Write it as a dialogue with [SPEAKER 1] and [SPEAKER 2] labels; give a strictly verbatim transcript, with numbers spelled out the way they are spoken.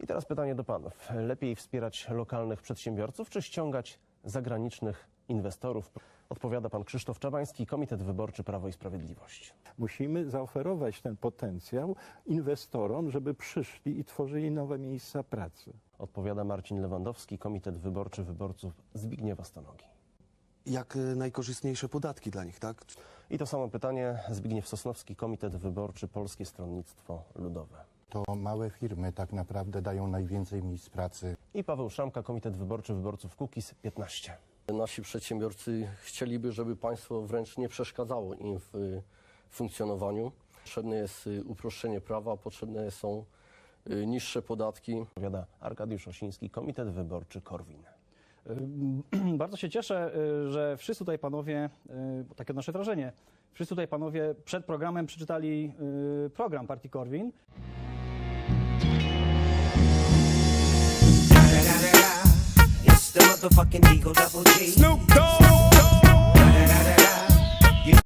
[SPEAKER 1] I teraz pytanie do panów. Lepiej wspierać lokalnych przedsiębiorców, czy ściągać zagranicznych inwestorów? Odpowiada pan Krzysztof Czabański, Komitet Wyborczy Prawo i Sprawiedliwość.
[SPEAKER 2] Musimy zaoferować ten potencjał inwestorom, żeby przyszli i tworzyli nowe miejsca pracy.
[SPEAKER 1] Odpowiada Marcin Lewandowski, Komitet Wyborczy Wyborców Zbigniewa Stanogi.
[SPEAKER 3] Jak y, najkorzystniejsze podatki dla nich, tak?
[SPEAKER 1] I to samo pytanie Zbigniew Sosnowski, Komitet Wyborczy Polskie Stronnictwo Ludowe.
[SPEAKER 4] To małe firmy tak naprawdę dają najwięcej miejsc pracy.
[SPEAKER 1] I Paweł Szramka, Komitet Wyborczy Wyborców Kukiz piętnaście.
[SPEAKER 5] Nasi przedsiębiorcy chcieliby, żeby państwo wręcz nie przeszkadzało im w y, funkcjonowaniu. Potrzebne jest y, uproszczenie prawa, potrzebne są y, niższe podatki.
[SPEAKER 1] Odpowiada Arkadiusz Osiński, Komitet Wyborczy Korwin.
[SPEAKER 6] Bardzo się cieszę, że wszyscy tutaj panowie, bo takie nasze wrażenie, wszyscy tutaj panowie przed programem przeczytali program partii Korwin.
[SPEAKER 7] It's the motherfucking Eagle Double G. Snoop Dogg.